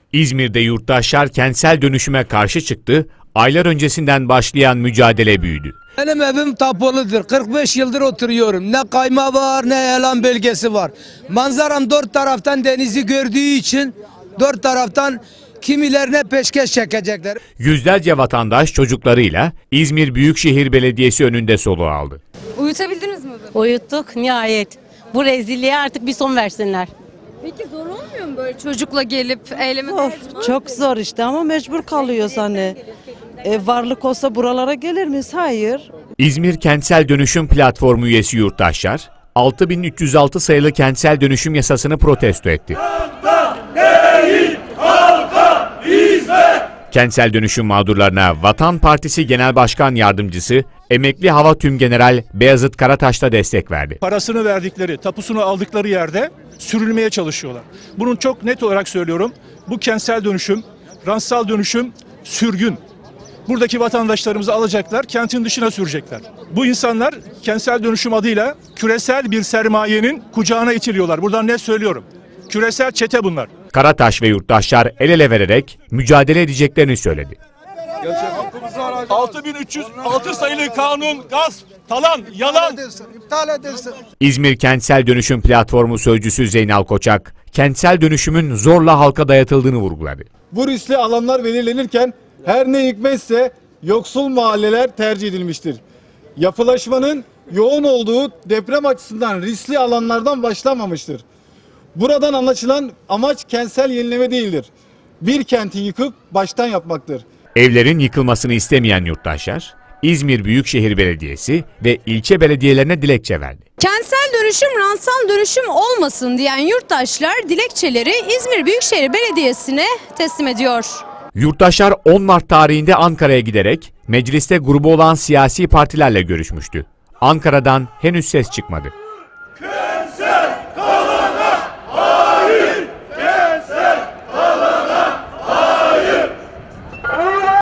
İzmir'de yurttaşlar kentsel dönüşüme karşı çıktı, aylar öncesinden başlayan mücadele büyüdü. Benim evim tapuludur. 45 yıldır oturuyorum. Ne kayma var ne elan bölgesi var. Manzaram dört taraftan denizi gördüğü için dört taraftan kimilerine peşkeş çekecekler. Yüzlerce vatandaş çocuklarıyla İzmir Büyükşehir Belediyesi önünde soluğu aldı. Uyutabildiniz mi? Uyuttuk nihayet. Bu rezilliğe artık bir son versinler. Peki zor olmuyor mu böyle çocukla gelip eyleme? Çok zor işte ama mecbur kalıyoruz hani. Varlık olsa buralara gelir miyiz? Hayır. İzmir Kentsel Dönüşüm Platformu üyesi yurttaşlar, 6306 sayılı kentsel dönüşüm yasasını protesto etti. Kentsel dönüşüm mağdurlarına Vatan Partisi Genel Başkan Yardımcısı, emekli Hava Tümgeneral Beyazıt Karataş da destek verdi. Parasını verdikleri, tapusunu aldıkları yerde sürülmeye çalışıyorlar. Bunun çok net olarak söylüyorum. Bu kentsel dönüşüm, rantsal dönüşüm, sürgün. Buradaki vatandaşlarımızı alacaklar, kentin dışına sürecekler. Bu insanlar kentsel dönüşüm adıyla küresel bir sermayenin kucağına itiliyorlar. Buradan net söylüyorum. Küresel çete bunlar. Karataş ve yurttaşlar el ele vererek mücadele edeceklerini söyledi. 6306 sayılı kanun gasp, talan, yalan. İptal edilsin. İzmir Kentsel Dönüşüm Platformu sözcüsü Zeynal Koçak, kentsel dönüşümün zorla halka dayatıldığını vurguladı. Bu riskli alanlar belirlenirken her ne hikmetse yoksul mahalleler tercih edilmiştir. Yapılaşmanın yoğun olduğu deprem açısından riskli alanlardan başlamamıştır. Buradan anlaşılan amaç kentsel yenileme değildir. Bir kenti yıkıp baştan yapmaktır. Evlerin yıkılmasını istemeyen yurttaşlar, İzmir Büyükşehir Belediyesi ve ilçe belediyelerine dilekçe verdi. Kentsel dönüşüm, rantsal dönüşüm olmasın diyen yurttaşlar dilekçeleri İzmir Büyükşehir Belediyesi'ne teslim ediyor. Yurttaşlar 10 Mart tarihinde Ankara'ya giderek mecliste grubu olan siyasi partilerle görüşmüştü. Ankara'dan henüz ses çıkmadı.